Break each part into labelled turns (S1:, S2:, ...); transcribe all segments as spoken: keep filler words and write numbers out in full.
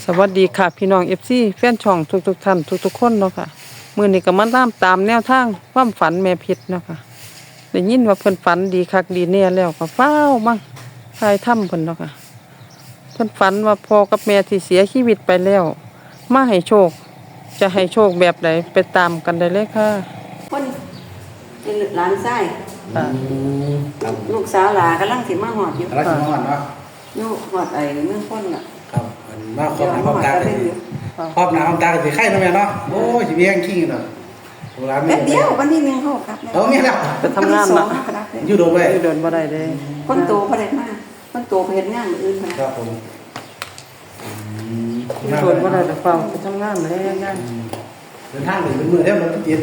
S1: สวัสดีค่ะพี่น้อง เอฟ ซี แฟนช่องทุกๆท่านทุกๆคนเนาะค่ะมื้อนี้ก็มาตามตามแนวทางความฝันแม่เพชรเนาะค่ะได้ยินว่าเพิ่นฝันดีคักดีแน่แล้วก็ฟ้าวมาทายถ้ำเพิ่นเนาะค่ะเพิ่นฝันว่าพ่อกับแม่ที่เสียชีวิตไปแล้วมาให้โชคจะให้โชคแบบใดไปตามกันได้เลยค่ะ
S2: คนเป็นหลานไส้
S1: ค่ะ
S3: ครับ
S2: ลูกสาวหลากำลังสิมาหอดอยู่
S3: รักสมอนเนาะ
S2: อยู่หอดไอ้เมืองพ้นน่ะ
S3: ครับมันมาครอบหน้าครอบตา
S2: เดี๋
S3: เลย
S2: วย
S3: ครอบหน้าครอบตาสิไข่เนาะแม่เนาะโอ้ยสิเบี้ยงขี้เนาะโบราณ
S2: แป๊บเดียววันที่หนึ่งเขาครับ
S3: เอาแม่แล้ว
S1: ไปทำงาน
S2: สอ
S1: น่ะ
S2: งครับ
S3: อยู่โดนไว้
S1: อยู่เดินบ่ได้เด้
S2: คนโตพอได้มาคนโตไปเฮ็ดงานมื้ออื่น
S3: ครับผมอืม
S1: อยู่เดินบ่ได้แต่ฟังไปทำงานเลยงาน
S3: เดินทางหนึ่งเป็นมือเดียวรถติด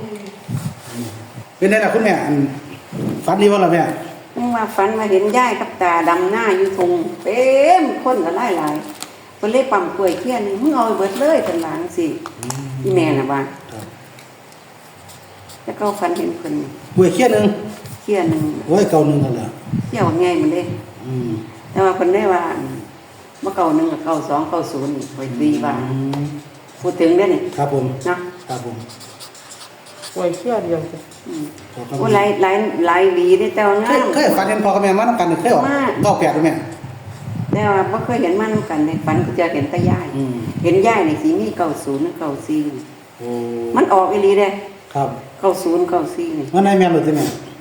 S3: เป็นไงล่ะคุณแม่อันฝันดีบ่ล่ะแม่
S2: มึงว่าฝันมาเห็นยายกับตาดำหน้าอยู่ทงเต็มคนก็หลายหลายๆเพิ่นเลยปั๊มกล้วยเคี้ยนึงมึงเอาไปเบิดเลยเพิ่นว่าจังซี่อีแม่น่ะว่า
S3: ครับ
S2: แล้วก็ฝันเห็นเพิ่น
S3: หวยเคี้ยนึง
S2: เคี้ยนึง
S3: โอ้ยเก่านึงกันแล้ว
S2: เที่ยวไงมันเด้
S3: อืม
S2: แต่ว่าคนได้ว่าเมื่อเก่าหนึ่งกับเก่าสองเก่าศูนย์คอยตีว่า
S3: อืม
S2: พูดถึงได้เนี่ย
S3: ครับผม
S2: เนาะ
S3: ครับผม
S1: ไว้เชื่อเดียวจ้ะ
S2: อืม
S3: ขอบคุ
S2: โอ้
S3: ณ
S2: หลายหลายหลายหวีได้แต่ว่า
S3: เค
S2: งาย ม
S3: เคยฝันเห็นพ่อกับแม่มานํกันเคยออก
S2: มาก
S3: เก้าแปดด้วยแม่
S2: แต่ว่าไม่เคยเห็นมันำกันในฝันก็จะเห็นแตาย่าย
S3: อืม
S2: เห็นย่ายในสีมีเก่าศูนย์เก่าสี่
S3: โอ้
S2: มันออกอีหลีเด้
S3: ครับ
S2: เก่าศูนย์เก่าสี่นี่
S3: มันได้แม่นหรือที่แม่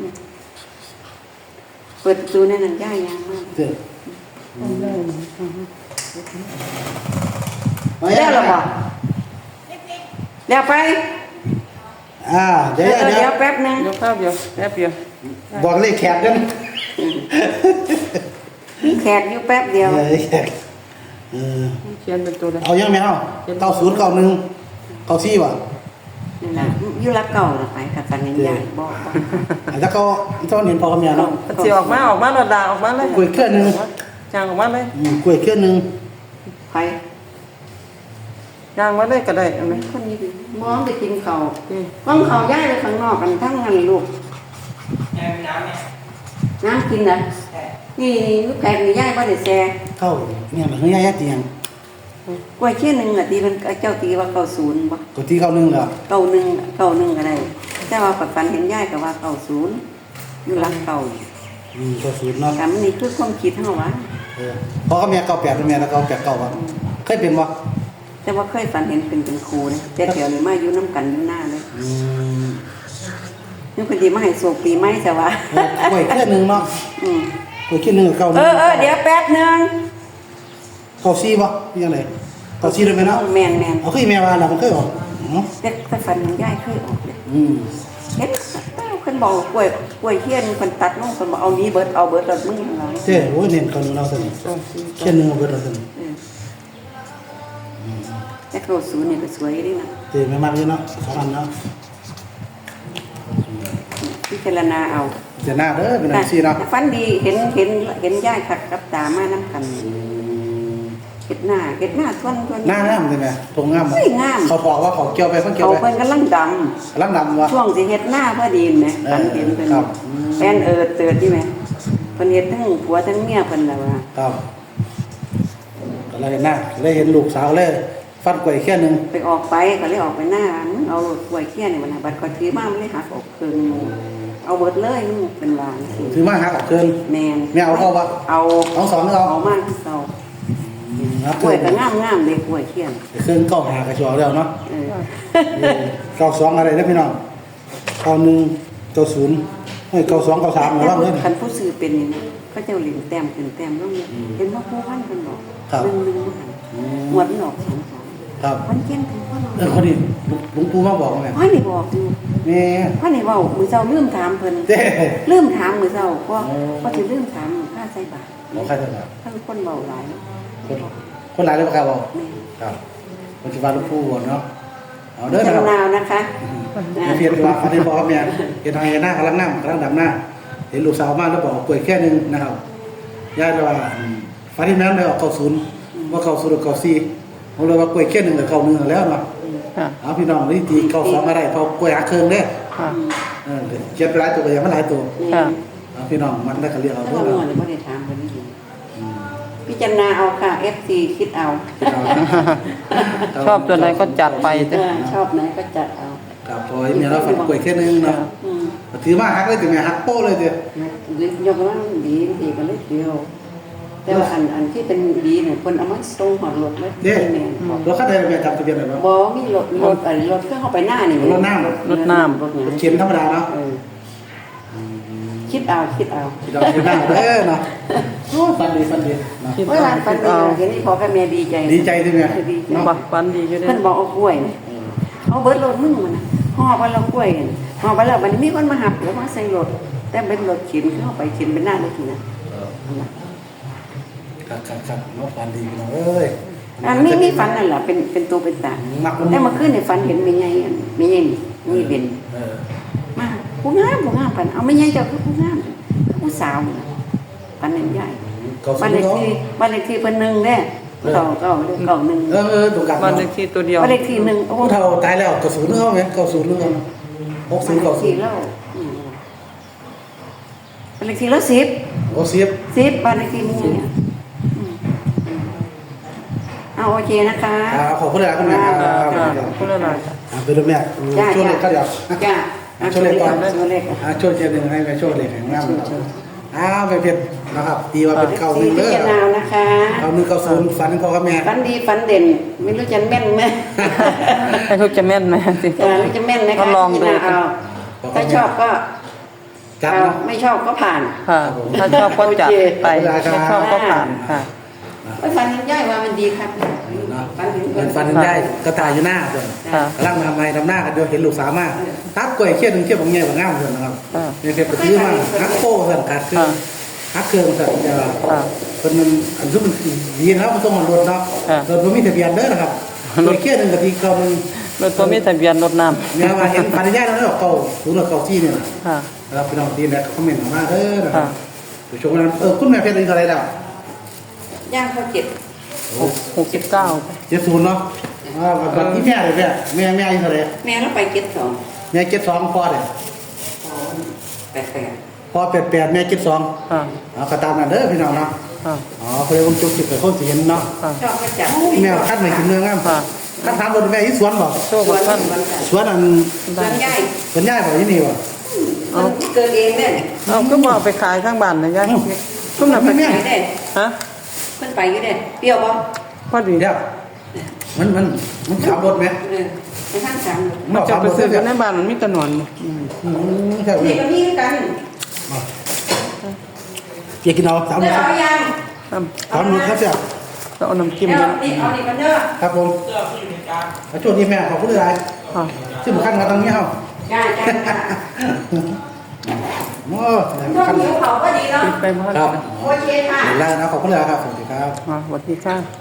S2: เปิดประตูในนั้นย่ายยังมาก
S3: เจ้อ
S2: แล้วหรอบ่แล้วไป
S3: อ่าเดี๋ยว
S2: เออ
S3: เดี๋
S2: เดี๋
S3: ย
S2: ยว วแป๊บนึง
S1: เดี๋ยวข้าวเดียวแป๊บเดียว
S3: บอกเลขแขกกัน
S2: มีแขกอยู่แป๊บเดียว
S3: เออแขกเออ
S1: เขียนเป็นตัวเลย
S3: เอายังแม่เอาเก้าศูนย์เก้าหนึ่งเก้าสี่ว่ะ
S2: นี่ล่ะอยู่ละเก่าละไปกับฝันเห็นย่ายบอกว่า
S3: อ่ะถ้าเขาถ้าเขาเห็นพ่อกับแม่เนาะ
S1: สิออกมาออกมาโดดดาออกมาเลย
S3: กล้วยเครื่องหนึ่ง
S1: จางออกมาเลย
S3: อืมกล้วยเครื่องหนึ่ง
S2: ไป
S1: จางมาเลยก็ได้เอาไหม
S2: คนนี้ดิมองไปกินเขาว
S1: อืม
S2: ก้องเขาวย้ายไปข้างนอกกันทั้งนั้นลูกน้ำกินนะนี่ลูกแพงนี่ย้ายบ่ได้แซ่
S3: เข้าเนี่ยมันเฮ้ยยายตียัง
S2: กล้วยเชี่ยหนึ่งอ่ะตีมันเจ้าตีว่าเก้าศูนย์บ่
S3: กดที่เก้าหนึ่งเหรอ
S2: เก้าหนึ่งเก้าหนึ่งก็ได้แต่ว่าปัจจุบันเห็นย้ายก็ว่าเก้าศูนย์อยู่หลังเก่า
S3: อืมเก้าศูนย์เนาะ
S2: แต่มันนี่คือความคิดเฮาวะ
S3: เออพ่อกับแม่เก้าแปดด้วยแม่แล้วเก้าแปดเก้าวะเคยเป็นวะ
S2: แต่ว่าเคยฝันเห็นเป็นเป็นครูนะแต่เดี๋ยวนี้มาอยู่น้ำกันอยู่หน้าเลย
S3: อืม
S2: นี่คนดีมาให้โศกปีไม้แต่ว่า
S3: เออกล้วยเครื่องหนึ่งเนาะ
S2: อืม
S3: กล้วยเครื่องหนึ่งกับเก้าห
S2: เอ
S3: นึ่ง
S2: อเออเดี๋ยวแป๊บนึง
S3: เก้าสี่วะนี่ยังไงเก้าสี่ด้วยไหมเนาะ
S2: แมนแมน
S3: เอาเคยแม่ว่าเรามันเคยออกเนาะ
S2: แต่แต่ฝันมันย้ายเคยออกเลย
S3: อืม
S2: เห็นคนบอกกล้วยกล้วยเทียนคนตัดลงคนบอกเอานี้เบิดเอาเบิดเอามึงอย่างไร
S3: เจ้โอ้ยเน้นเก้าหนึ่งเราสนิท
S1: สองสี่
S3: เครื่องหนึ่งเอาเบิดเราสนิท
S2: แต่เก้าศูนย์นี่ก็สวยดีนะ
S3: เจ้ไม่มากเลยเนาะสองอันเนาะ
S2: พิจารณาเอา
S3: เจ้าหน้าเด้อเป็นอันสี่เนาะ
S2: แต่ฝันดีเห็นเห็นเห็นย่ายขัดกับตามาน้ำกันเห็ดหน้าเห็ดหน้าทวนทวน
S3: หน้างามใช่ไหมทงงาม
S2: เฮ้ยงาม
S3: เขาบอกว่าเขาเกี่ยวไปเขาเกี่ยว
S2: เขา
S3: ไป
S2: เพิ่นกำลังด
S3: ลังดำวะ
S2: ำช่วงสิเห็ดหน้าพอดีไหมฝันเห็นเพิ่น
S3: ครับ
S2: แฟนเอิดเติดที่ไหมเพิ่นเห็ดทั้งผัวทั้งเมียเพิ่นแล้วว่า
S3: ครับก็เลยเห็นหน้าเลยเห็นลูกสาวเลยฟันกล้วยแค่หนึ่ง
S2: ไปออกไปก็เลยออกไปหน้ามึงเอากล้วยเขี้ยนนี่มันน่ะบัดก็ถือมามันเลยหักออกครึ่งหนึ่งเอาเบิดเลยมึงเป็นวางสิ
S3: ถือมาหักออกเกิน
S2: แมน
S3: ไม่เอาเข้าปะ
S2: เอา
S3: เอาสองไม่เอา
S2: เอามากที่เก่า
S3: ครับ
S2: กล้วยก็งามงามๆเลยกล้วยเขี้ยน
S3: เครื่องเก้าหากระชัวแล้วเนาะ
S2: เออ
S3: เก้าสองอะไรนะพี่น้องเก้าหนึ่งเก้าศูนย์เฮ้ยเก้าสองเก้าสามมาแล้วเลย
S2: คันผู้ซื้อเป็นนี่นะเขาเจ้าเหรียญแต้มเป็นแต้มแล้วเนี่ยเห็นว่าผู้พันเป็นบอก
S3: ครับ
S2: หนึ่งหนึ่งหันหมวดมันออกสองสอง
S3: ครับ
S2: พันเกี้ยนถึงพัน
S3: เออคนนี้หลวงปู่มาบอกไง
S2: พันนี่บอกอยู่
S3: แม่
S2: พันนี่เว่ามือเจ้าลืมถามเพิ่น
S3: เจ้
S2: ลืมถามมือเจ้าก็
S3: โอ้
S2: ก็จะลืมถามค่าใส่บาท
S3: บอกใครจะมา
S2: ถ้าคนเบาหลาย
S3: คนคนหลายเลยปะครับบอก
S2: แม่
S3: ครับปัจจุบันหลวงปู่ก่อนเนาะเอาเด้อ
S2: จา
S3: นะครับ
S2: นาวนะคะนะ
S3: เพียรว่าอันนี้บอกกับแม่เห็นทางหน้ากำลังนั่งกำลังดำหน้า เห็นลูกสาวมาแล้วบอกป่วยแค่นึงนะครับย่าเลยว่าฟ้าที่นั้นเลยออกเก้าศูนย์ว่าเก้าศูนย์เก้าสี่ผมเลยว่าป่วยแค่หนึ่งกับเก้าหนึ่งแล้วเนาะ
S1: ค่ะ
S3: เอาพี่น้องนี่ตีเก้าสองอะไรเพราะป่วยหาเครื่องเด้
S1: ค่ะ
S3: เออเจ็บหลายตัวก็ยังไม่หลายตัว
S1: ค่ะ
S3: เอาพี่น้องมันได้ก็เรียกเอา
S2: ถ้า
S3: เด้อ
S2: เรา
S3: เนาะ
S2: เมื่อเลยไม่ได้ถามคนนี้
S3: อืม
S2: พิจารณาเอาค่ะ เอฟ ซี คิดเอา
S1: ชอบตัวไหนก็จัดไป
S2: เอ
S1: จ้ะ
S2: อชอบไหนก็จัดเอา
S3: ครับพอเมียเราฝันกล้วยแค่นึงเนาะ
S2: อืม
S3: ถือมาฮักเลยแต่แม่ฮักโป้เลยเด้อย
S2: กว่ามันดีดีก็เลยเดียว แต่ว่าอันอันที่เป็นดีเนี่ยคนเอามาส่งหอดรถเลย
S3: เด้
S2: แม่นบอก
S3: รถคันใดแม่จำทะเบียนได้บ่
S2: บ่มีรถรถอะไรรถเครื่องเข้าไปหน้านี่
S3: รถน้ำ
S2: รถน้ำรถหยัง
S3: เข็มธรรมดาเนาะ
S2: เออคิดเอาคิดเอา
S3: ที่เราเข็มหน้าเด้อเนาะโอ้ฟันดีฟันดีเนาะ
S1: คิด
S2: เมื่อ
S1: เอา
S2: วานฝัน
S1: คิด
S2: ดี
S1: เอา
S2: เห็นนี่พอกับแม่ดีใจ
S3: ดีใจที่แม่
S2: ดีใจ
S1: บักฟันดีอยู่เด้
S2: เพิ่นบอกเอากล้วยนี่เอาเบิดรถมึงมันน่ะห่อไปแล้วกล้วยนี่ห่อไปแล้วมันมีคนมาหับแล้วมาใส่รถแต่เป็นรถเข็นเข้าไปเข็นเป็นหน้ารถนี่นะ
S3: ครับครับครับเนาะฟันดีพี่น้องเอ้ย
S2: อันนี้มีฝันนั่นแหละเป็นเป็นตัวเป็นตา
S3: มักมัน
S2: แต่เมื่อคืนเนี่ยฝันเห็นแม่ใหญ่อันแม่ใหญ่นี่นี่เป็น
S3: เออ
S2: มาผู้งามผู้งามปันเอาแม่ใหญ่เจ้าคือผู้งามผู้สาวน่ะปันนั้นใหญ่
S3: เก่าสุ
S2: บ้า
S3: ด
S2: นเลข
S3: เนาะ
S2: ที่บ้านเลขที่เพิ่นหนึ่งเด้เก่าเก่าเด้เก่าหนึ่ง
S3: เออเออตรงกัน
S1: บ้าน
S3: เนาะ
S1: เลขที่ตัวเดียว
S2: บ้านเลขที่หนึ่งโอ้
S3: ผู้เฒ่าตายแล้วเก่าศูนย์เนาะแม่เก่าศูนย์เนาะหกศูนย์เก่าศู
S2: สี่
S3: นย์
S2: แล้วอืมบ้านเลขที่แล้วสิบ
S3: โอ้สิบ
S2: สิบบ้านเลขที่หมู่เนี่ยอืมเอาโอเคนะคะ
S3: อ่าขอบคุณเลยคุณแม่ครับ
S1: ค่ะพูดอะไรจ้ะ
S3: อ่าเป็นลูกแม่
S2: จ้า
S3: ช่วยเล็กก็เดี๋ยว
S2: จ้า
S3: อ่าช่วยเล็กก่อน
S2: ช่วยเล็กก่อน
S3: อ่าช่วยเจนึงให้แม่ช่วยเล็กแข็งแรงอ้าวไปเพียรนะครับตีว่าเป็นเก่าห
S2: สี่
S3: นึ่ง
S2: พิ
S3: เด้อ
S2: จารณานะคะ
S3: เก่าหนึ่งเก่าศูนย์ฝันพ่อกับแม่
S2: ฝันดีฝันเด่น ไม่รู้จะแม่นไหม
S1: ให้เขาจะแม่นไหมสิ
S2: เออไม่รู้จะแม่นไหม
S1: ก็
S2: คะ
S1: ลองดู
S2: พิจารณาเอาถ้าชอบก็
S3: จับ
S2: เอา
S3: เนาะ
S2: ไม่ชอบก็ผ่าน
S1: ค่ะ ถ้าชอบก็จัดไป
S3: โอเค
S1: ไม่ชอบก็ผ่านค่ะ
S2: ไอ้ฝันเห็นย่อยว่ามันดีครับ
S3: เนาะ
S2: ฝันเห็น
S3: เป็นฟันได้กระต่ายอยู่หน้าเพื่อน
S1: ค่ะ
S3: กำลังทำไมทำหน้ากันเดียวเห็นลูกสาวมากทับกล้วยเขี้ยวหนึ่งเขี้ยวบางแง่บางง่ามเพื่อนนะครับ
S1: ค่ะ
S3: เนี่ยเพียรไปซื้อมาฮักโป้เพื่อนกัดคือ
S1: ค่ะ
S3: ฮักเครื่องเพื่อนจะ
S1: ค่ะ
S3: เป็นมันอันซึ่งมันดีนะครับมันต้องมันรถเนาะ
S1: ค่ะ
S3: รถมันมีทะเบียนเด้อนะครับกล้วยเขี้ยวหนึ่งกับที่เก่ามัน
S1: รถตัวมีทะเบียนรถน้
S3: เนี่ยว่าเห็นปัญญาแล้วเนาะเก่าศูนย์เก่าที่เนี่ย
S1: ำค่ะ
S3: นะครับพี่น้องดีนะคอมเมนต์มาเด้อนะครั
S1: ค่ะ
S3: บผู้ชมนั้นเออคุณแม่เพชรอายุเท่าไหรแล้ว
S2: ย่างเขาเก็บ
S1: หกหกสิบเก้า
S3: เจ็ดศูนย์เนาะอ่าบัดนี้แม่เลยแม่แม่แม่อายุเท่าไหร
S2: แม่แล้วไปเก็บสอง
S3: แม่เจ็ดสองพ่อเลย
S2: แปดแปด
S3: พ่อแปดแปดแม่เจ็ดสอง
S1: ค่ะ
S3: เอาก็ตามนั้นเด้อพี่น้องเนาะ
S1: ค่ะ
S3: อ๋อเขาเรียกว่าจุกจิกกับคนสิเห็นเนาะ
S1: ค่ะ
S2: ชอบก็จับ
S3: แม่คัดไม่กินเนื้องาม
S1: ค่ะ
S3: คัดถามรถแม่ที่สวนบ่
S1: โชคกับท่าน
S3: สวนอัน
S2: สวนใหญ่
S3: สวนย่ายบ่ที่นี่บ่
S2: มันเกิดเองเนี่ย
S1: เอาก็มาเอาไปขายข้างบ้านนะยายก็มาไป
S2: ไป
S1: ขาย
S2: เด้
S1: ฮะ
S2: เพิ่นไปอยู่เด้เปรี้ยวบ่
S1: พอดี
S3: เดี๋ยวมันมันมันขับรถไหม
S2: เออไปทางสาม
S1: มันจะไปซื้อกันในบ้านมันมีแตะหนอนนี่
S3: อืมใช่
S2: นี่ก็มีกัน
S3: อยากกินเอาสาม
S2: เด้
S3: มื้อ
S2: อ
S3: ครับ
S2: เอายัง
S1: ครับ
S3: สามมื้อครับเสี่ย
S1: แล้วเอาน้ำจิ้ม
S2: เดี๋ยว
S1: นะ
S2: นี่เอานี่กันเด้อ
S3: ครับผมแล้วช่วงนี้แม่ขอบคุณหลาย
S1: ค่ะ
S3: ซึ่งขั้นมาตรงนี้เฮา
S2: จ้าจ้าจ้า
S3: โอ้
S2: ช่วงหิวเขาก็ดีเนาะ
S1: ไปบ้าน
S3: ครับ
S2: โอเคค่ะ
S3: เห็นแล้วนะขอบคุณหลายครับสวัสดีครับ
S1: มาสวัสดีค่ะ